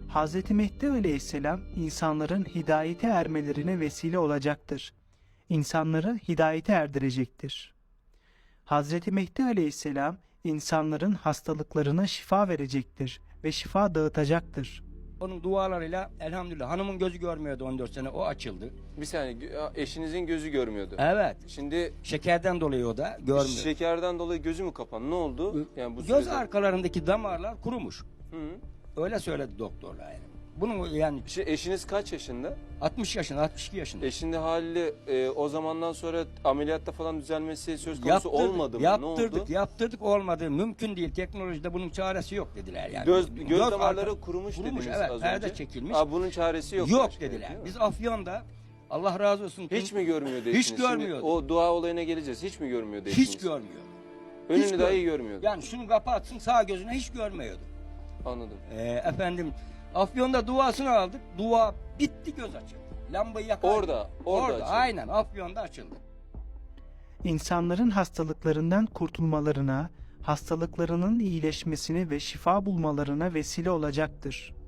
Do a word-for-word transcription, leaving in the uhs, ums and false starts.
Hazreti Mehdi Aleyhisselam insanların hidayete ermelerine vesile olacaktır. İnsanları hidayete erdirecektir. Hazreti Mehdi Aleyhisselam insanların hastalıklarına şifa verecektir ve şifa dağıtacaktır. Onun dualarıyla elhamdülillah hanımın gözü görmüyordu on dört sene, o açıldı. Bir saniye, eşinizin gözü görmüyordu. Evet. Şimdi Şekerden dolayı o da görmüyor. şekerden dolayı gözü mü kapandı? Ne oldu? Yani bu Göz sürede- arkalarındaki damarlar kurumuş. Hı. Öyle söyledi doktorlar yani. Bunun yani Şimdi eşiniz kaç yaşında? altmış yaşında, altmış iki yaşında. Eşinde haliyle e, o zamandan sonra ameliyatta falan düzelmesi söz konusu Yaptırdık, olmadı mı? Yaptırdık, Ne oldu? yaptırdık olmadı. Mümkün değil. Teknolojide bunun çaresi yok dediler yani. Göz, göz, damarları arka- kurumuş, kurumuş, dediniz evet, az perde önce. çekilmiş. Aa, bunun çaresi yok. Yok başka, dediler. değil mi? Biz Afyon'da Allah razı olsun. Hiç mi görmüyordu Hiç eşiniz? Şimdi görmüyordu. o dua olayına geleceğiz. Hiç mi görmüyordu eşiniz? Hiç görmüyor. Önünü hiç dahi gör- görmüyordu. Yani şunu kapatsın, sağ gözüne hiç görmüyordu. Anladım. Ee, efendim Afyon'da duasını aldık. Dua bitti, göz açıldı. Lambayı yakar. Orada, orada açıldı. Aynen Afyon'da açıldı. İnsanların hastalıklarından kurtulmalarına, hastalıklarının iyileşmesine ve şifa bulmalarına vesile olacaktır.